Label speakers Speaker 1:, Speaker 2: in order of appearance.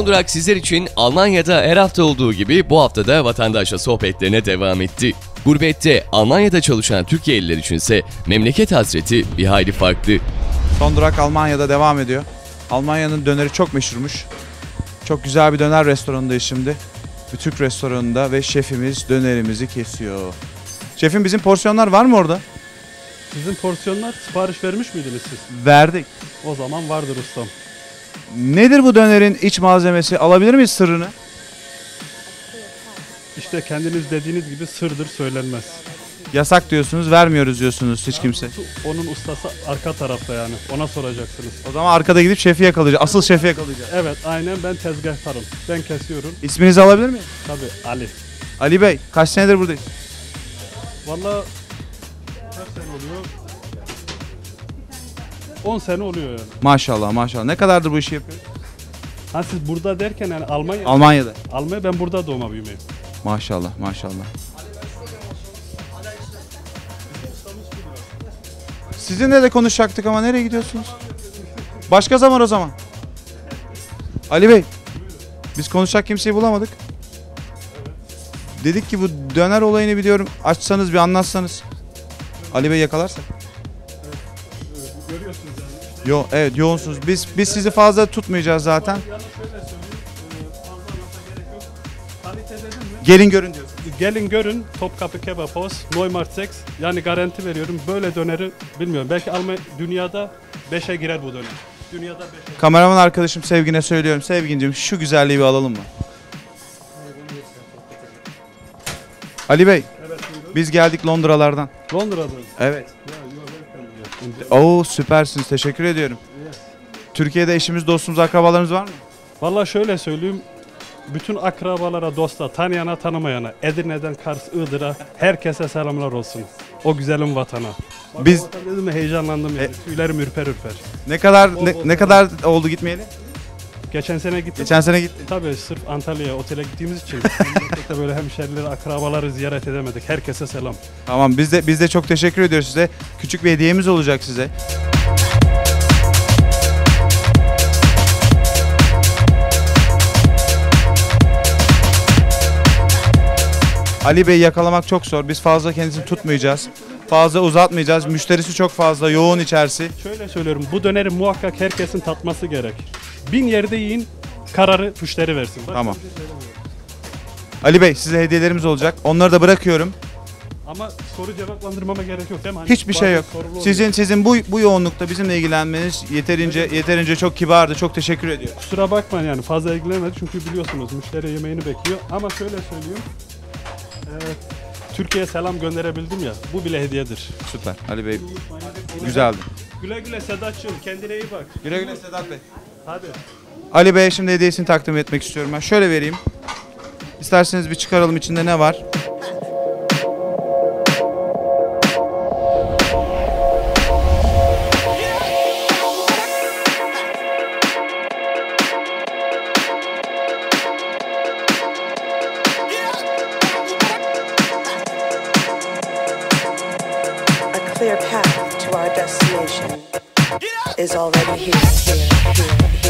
Speaker 1: Son durak sizler için Almanya'da her hafta olduğu gibi bu hafta da vatandaşla sohbetlerine devam etti. Gurbette Almanya'da çalışan Türkiye'liler içinse memleket hasreti bir hayli farklı.
Speaker 2: Son durak Almanya'da devam ediyor. Almanya'nın döneri çok meşhurmuş. Çok güzel bir döner restoranındayız şimdi. Bir Türk restoranında ve şefimiz dönerimizi kesiyor. Şefim, bizim porsiyonlar var mı orada?
Speaker 3: Sizin porsiyonlar sipariş vermiş miydiniz siz?
Speaker 2: Verdik.
Speaker 3: O zaman vardır ustam.
Speaker 2: Nedir bu dönerin iç malzemesi? Alabilir miyiz sırrını?
Speaker 3: İşte kendiniz dediğiniz gibi sırdır, söylenmez.
Speaker 2: Yasak diyorsunuz, vermiyoruz diyorsunuz hiç kimse.
Speaker 3: Onun ustası arka tarafta yani. Ona soracaksınız.
Speaker 2: O zaman arkada gidip şefi yakalayacağız. Asıl şefi yakalayacağız.
Speaker 3: Evet, aynen, ben tezgahtarım. Ben kesiyorum.
Speaker 2: İsminizi alabilir miyim?
Speaker 3: Tabii, Ali.
Speaker 2: Ali Bey, kaç senedir buradayız?
Speaker 3: Vallahi kaç sene oluyor? 10 sene oluyor yani.
Speaker 2: Maşallah maşallah. Ne kadardır bu işi yapıyoruz?
Speaker 3: Ha, siz burada derken yani
Speaker 2: Almanya'da.
Speaker 3: Almanya, ben burada doğma büyümeyim.
Speaker 2: Maşallah maşallah. Sizinle de konuşacaktık ama nereye gidiyorsunuz? Başka zaman o zaman. Ali Bey, biz konuşacak kimseyi bulamadık. Dedik ki bu döner olayını biliyorum, açsanız bir anlatsanız. Ali Bey yakalarsak.
Speaker 3: Görüyorsunuz yani.
Speaker 2: Yo, evet yoğunsunuz. Biz sizi fazla tutmayacağız zaten.
Speaker 3: Yani şöyle söyleyeyim, fazla anlatmaya gerek yok. Kalite dedim mi?
Speaker 2: Gelin görün diyoruz.
Speaker 3: Gelin görün, Topkapı Kebapos, Neumarkt 6. Yani garanti veriyorum, böyle döneri bilmiyorum. Belki dünyada 5'e girer bu döner. Dünyada 5'e.
Speaker 2: Kameraman arkadaşım Sevgin'e söylüyorum. Sevgin'cim, şu güzelliği bir alalım mı? Ali Bey,
Speaker 3: Evet, buyurun.
Speaker 2: biz geldik Londralardan.
Speaker 3: Londra'da.
Speaker 2: Evet.
Speaker 3: Ya, you are welcome.
Speaker 2: Oo, süpersiniz. Teşekkür ediyorum.
Speaker 3: Yes.
Speaker 2: Türkiye'de eşimiz, dostumuz, akrabalarımız var mı?
Speaker 3: Vallahi şöyle söyleyeyim. Bütün akrabalara, dosta, tanıyana, tanımayana, Edirne'den Kars, Iğdır'a herkese selamlar olsun. O güzelim vatana. Bak,
Speaker 2: Biz-
Speaker 3: o vatan dedim mi heyecanlandım yani. Tüylerim ürper ürper.
Speaker 2: Ne kadar oldu gitmeyeli?
Speaker 3: Geçen sene gittim.
Speaker 2: Geçen sene gittim.
Speaker 3: Tabii sırf Antalya'ya otele gittiğimiz için memlekette böyle hemşerileri, akrabaları ziyaret edemedik. Herkese selam.
Speaker 2: Tamam, biz de çok teşekkür ediyoruz size. Küçük bir hediyemiz olacak size. Ali Bey'i yakalamak çok zor. Biz fazla kendisini tutmayacağız. Fazla uzatmayacağız. Müşterisi çok fazla, yoğun içerisi.
Speaker 3: Şöyle söylüyorum, bu döneri muhakkak herkesin tatması gerek. 1000 yerde yiyin, kararı müşteri versin. Bak,
Speaker 2: Tamam. Ali Bey, size hediyelerimiz olacak. Onları da bırakıyorum.
Speaker 3: ama soru cevaplandırmama gerek yok değil mi? Hani
Speaker 2: Hiçbir şey
Speaker 3: bazı
Speaker 2: yok.
Speaker 3: sorular oluyor.
Speaker 2: Sizin bu yoğunlukta bizimle ilgilenmeniz yeterince çok kibardı. Çok teşekkür ediyorum.
Speaker 3: Kusura bakmayın yani fazla ilgilenemedik çünkü biliyorsunuz müşteri yemeğini bekliyor. Ama şöyle söyleyeyim. Türkiye'ye selam gönderebildim ya, bu bile hediyedir.
Speaker 2: Süper. Ali Bey, güzeldi.
Speaker 3: Güle güle Sedat'cığım, kendine iyi bak.
Speaker 2: Güle güle Sedat Bey.
Speaker 3: Hadi.
Speaker 2: Ali Bey'e şimdi hediyesini takdim etmek istiyorum ben. Şöyle vereyim. İsterseniz bir çıkaralım, içinde ne var?
Speaker 4: A clear path to our destination is already here.